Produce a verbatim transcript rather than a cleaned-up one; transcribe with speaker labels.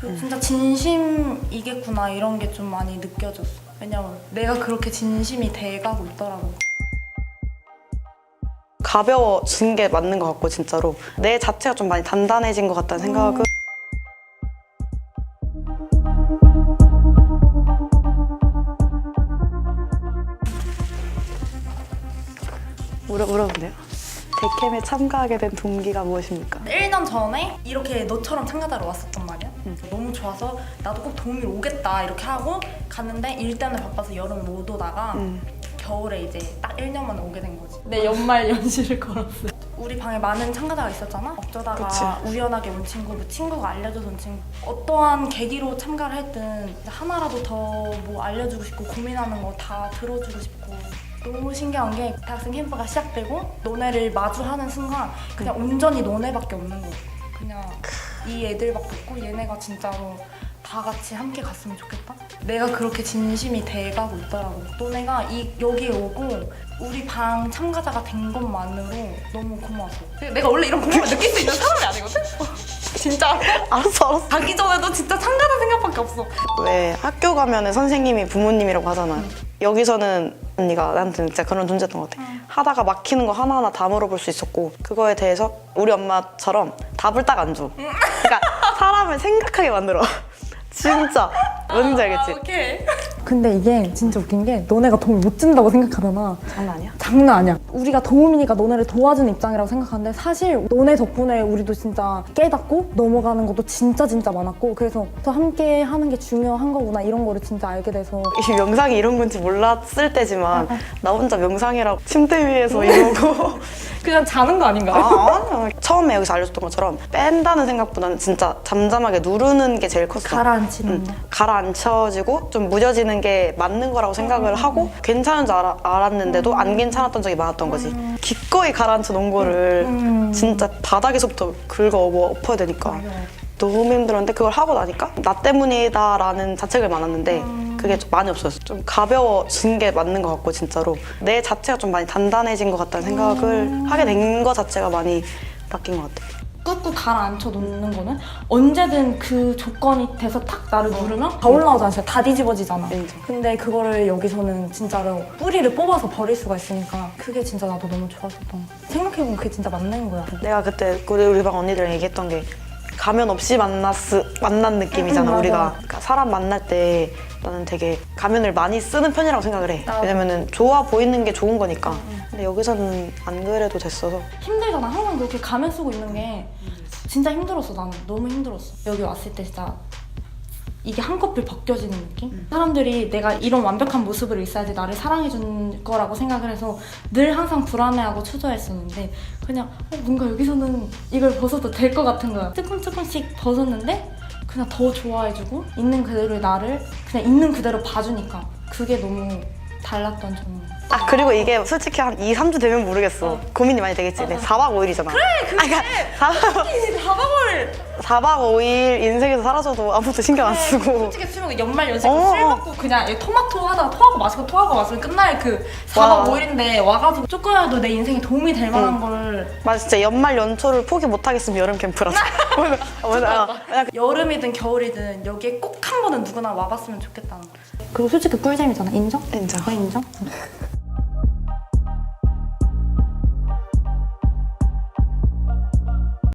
Speaker 1: 진짜 진심이겠구나 이런 게 좀 많이 느껴졌어. 왜냐면 내가 그렇게 진심이 돼가고 있더라고.
Speaker 2: 가벼워진 게 맞는 것 같고 진짜로 내 자체가 좀 많이 단단해진 것 같다는 생각은
Speaker 1: 음.
Speaker 2: 물어, 물어본대요. 데캠에 참가하게 된 동기가 무엇입니까?
Speaker 1: 일 년 전에 이렇게 너처럼 참가자로 왔었단 말이야. 응. 너무 좋아서 나도 꼭 도우미로 오겠다 이렇게 하고 갔는데 일 때문에 바빠서 여름 못 오다가
Speaker 2: 음.
Speaker 1: 겨울에 이제 딱 일 년 만에 오게 된 거지. 내 연말 연시를 걸었어. 우리 방에 많은 참가자가 있었잖아? 어쩌다가
Speaker 2: 그치.
Speaker 1: 우연하게 온 친구, 뭐 친구가 알려줘서 온 친구 어떠한 계기로 참가를 했든 하나라도 더 뭐 알려주고 싶고 고민하는 거 다 들어주고 싶고 너무 신기한 게 대학생 캠프가 시작되고 너네를 마주하는 순간 그냥 온전히 너네밖에 없는 거야. 그냥 이 애들밖에 없고 얘네가 진짜로 다 같이 함께 갔으면 좋겠다? 내가 그렇게 진심이 돼가고 있더라고. 너네가 이, 여기에 오고 우리 방 참가자가 된 것만으로 너무 고마웠어. 내가 원래 이런 고마움을 느낄 수 있는 사람이 아니거든? 진짜
Speaker 2: 알았어 알았어.
Speaker 1: 가기 전에도 진짜 참가자 생각밖에 없어.
Speaker 2: 왜 학교 가면은 선생님이 부모님이라고 하잖아. 응. 여기서는 언니가 나한테 진짜 그런 존재였던 것 같아. 응. 하다가 막히는 거 하나하나 다 물어볼 수 있었고 그거에 대해서 우리 엄마처럼 답을 딱 안 줘. 응. 그러니까 사람을 생각하게 만들어. 진짜 뭔지 알겠지?
Speaker 1: 아, 오케이.
Speaker 3: 근데 이게 진짜 웃긴 게 너네가 도움 못 준다고 생각하잖아.
Speaker 2: 장난 아니야?
Speaker 3: 장난 아니야. 우리가 도움이니까 너네를 도와주는 입장이라고 생각하는데 사실 너네 덕분에 우리도 진짜 깨닫고 넘어가는 것도 진짜 진짜 많았고 그래서 더 함께 하는 게 중요한 거구나 이런 거를 진짜 알게 돼서
Speaker 2: 이 명상이 이런 건지 몰랐을 때지만 나 혼자 명상이라고 침대 위에서 이러고
Speaker 3: 그냥 자는 거 아닌가요?
Speaker 2: 아, 아니야. 처음에 여기서 알려줬던 것처럼 뺀다는 생각보다는 진짜 잠잠하게 누르는 게 제일 컸어.
Speaker 3: 가라앉히는
Speaker 2: 응.
Speaker 3: 거.
Speaker 2: 가라앉혀지고 좀 무뎌지는 게 맞는 거라고 생각을 하고 괜찮은 줄 알아, 알았는데도 안 괜찮았던 적이 많았던 거지. 기꺼이 가라앉혀 놓은 거를
Speaker 3: 음.
Speaker 2: 진짜 바닥에서부터 긁어 엎어야 되니까 너무 힘들었는데 그걸 하고 나니까 나 때문이다 라는 자책을 많았는데 그게 좀 많이 없어졌어. 좀 가벼워진 게 맞는 것 같고 진짜로 내 자체가 좀 많이 단단해진 것 같다는 생각을 하게 된 거 자체가 많이 바뀐 것 같아.
Speaker 3: 꾹꾹 가라앉혀 놓는 거는 언제든 그 조건이 돼서 탁 나를 누르면 다 올라오잖아. 진짜 다 뒤집어지잖아.
Speaker 2: 인정.
Speaker 3: 근데 그거를 여기서는 진짜로 뿌리를 뽑아서 버릴 수가 있으니까 그게 진짜 나도 너무 좋았었던 거. 생각해보면 그게 진짜 맞는 거야.
Speaker 2: 내가 그때 우리 우리 방 언니들이랑 얘기했던 게 가면 없이 만났으, 만난 느낌이잖아.
Speaker 3: 응,
Speaker 2: 우리가
Speaker 3: 맞아.
Speaker 2: 그러니까 사람 만날 때 나는 되게 가면을 많이 쓰는 편이라고 생각을 해.
Speaker 3: 나도.
Speaker 2: 왜냐면은 좋아 보이는 게 좋은 거니까. 근데 여기서는 안 그래도 됐어서
Speaker 3: 힘들잖아. 항상 그렇게 가면 쓰고 있는 게 진짜 힘들었어. 나는 너무 힘들었어. 여기 왔을 때 진짜 이게 한꺼풀 벗겨지는 느낌? 사람들이 내가 이런 완벽한 모습으로 있어야지 나를 사랑해줄 거라고 생각을 해서 늘 항상 불안해하고 초조했었는데 그냥 어, 뭔가 여기서는 이걸 벗어도 될 것 같은 거야. 조금 조금씩 벗었는데 그냥 더 좋아해주고 있는 그대로의 나를 그냥 있는 그대로 봐주니까 그게 너무 달랐던 점.
Speaker 2: 아 그리고 이게 솔직히 한 이, 삼 주 되면 모르겠어. 고민이 많이 되겠지. 근데 사 박 오 일이잖아. 그래
Speaker 1: 그게 가방을
Speaker 2: 사 박 오 일 인생에서 사라져도 아무도 신경 안 쓰고
Speaker 1: 솔직히 수명 연말 연시
Speaker 2: 어.
Speaker 1: 술 먹고 그냥 토마토 하다가 토하고 마시고 토하고 마시고 끝날 그 사 박 오 일인데 와가지고 조금이라도 내 인생에 도움이 될 만한 걸
Speaker 2: 맞아 진짜 연말 연초를 포기 못 하겠으면 여름 캠프라서 맞아.
Speaker 1: 여름이든 겨울이든 여기에 꼭 한 번은 누구나 와봤으면 좋겠다는 거지.
Speaker 3: 그리고 솔직히 꿀잼이잖아. 인정?
Speaker 2: 인정.
Speaker 3: 어, 인정?